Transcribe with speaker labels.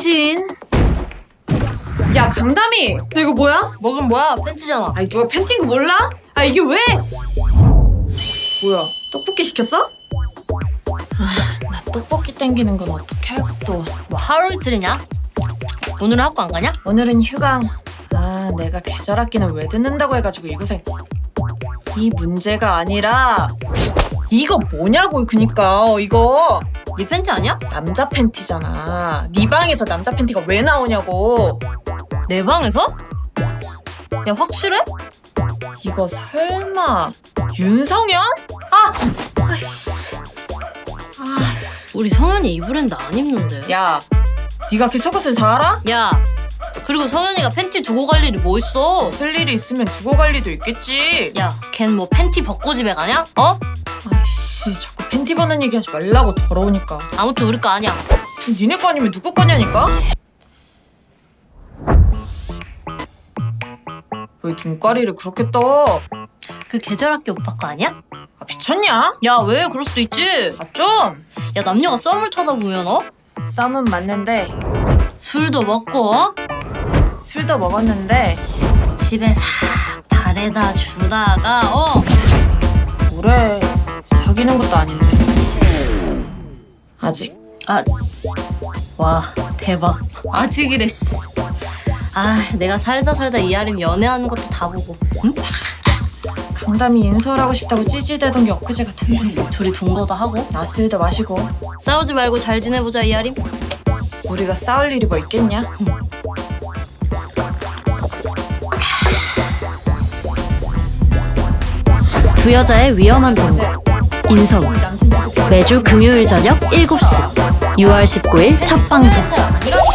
Speaker 1: 미친. 야 강담이, 너 이거 뭐야?
Speaker 2: 먹은 뭐야? 팬티잖아.
Speaker 1: 아이 누가 팬티인 거 몰라? 아 이게 왜? 뭐야? 떡볶이 시켰어? 나 떡볶이 땡기는 건 어떻게 할 것도.
Speaker 2: 뭐 하루 이틀이냐? 오늘은 학교 안 가냐?
Speaker 1: 오늘은 휴강. 아 내가 계절 학기는 왜 듣는다고 해가지고 이 고생. 이 문제가 아니라 이거 뭐냐고. 그니까 이거
Speaker 2: 네 팬티 아니야?
Speaker 1: 남자 팬티잖아. 네 방에서 남자 팬티가 왜 나오냐고.
Speaker 2: 내 방에서? 야 확실해?
Speaker 1: 이거 설마 윤성현?
Speaker 2: 우리 성현이 이 브랜드 안 입는데.
Speaker 1: 야 네가 그 속옷을 다 알아?
Speaker 2: 야 그리고 성현이가 팬티 두고 갈 일이 뭐 있어?
Speaker 1: 쓸 일이 있으면 두고 갈 리도 있겠지.
Speaker 2: 야 걘 뭐 팬티 벗고 집에 가냐? 어?
Speaker 1: 아이씨 자꾸 팬티 벗는 얘기 하지 말라고. 더러우니까.
Speaker 2: 아무튼 우리 거 아니야.
Speaker 1: 니네 거 아니면 누구 거냐니까? 왜 눈가리를 그렇게 떠?
Speaker 2: 그 계절학기 오빠 거 아니야?
Speaker 1: 아 미쳤냐?
Speaker 2: 야 왜? 그럴 수도 있지.
Speaker 1: 아 좀!
Speaker 2: 야 남녀가 썸을 쳐다보면
Speaker 1: 썸은 맞는데
Speaker 2: 술도 먹고
Speaker 1: 술도 먹었는데
Speaker 2: 집에 싹 바래다 주다가
Speaker 1: 뭐래, 사귀는 것도 아닌데 아직.
Speaker 2: 와 대박. 아직이래. 내가 살다 이하림 연애하는 것도 다 보고. 응?
Speaker 1: 강담이 인서를 하고 싶다고 찌질대던 게 엊그제 같은데.
Speaker 2: 둘이 동거도 하고
Speaker 1: 낮술도 마시고.
Speaker 2: 싸우지 말고 잘 지내보자 이하림.
Speaker 1: 우리가 싸울 일이 뭐 있겠냐?
Speaker 2: 두 여자의 위험한 동거 인서울 매주 금요일 저녁 7시 6월 19일 첫 방송.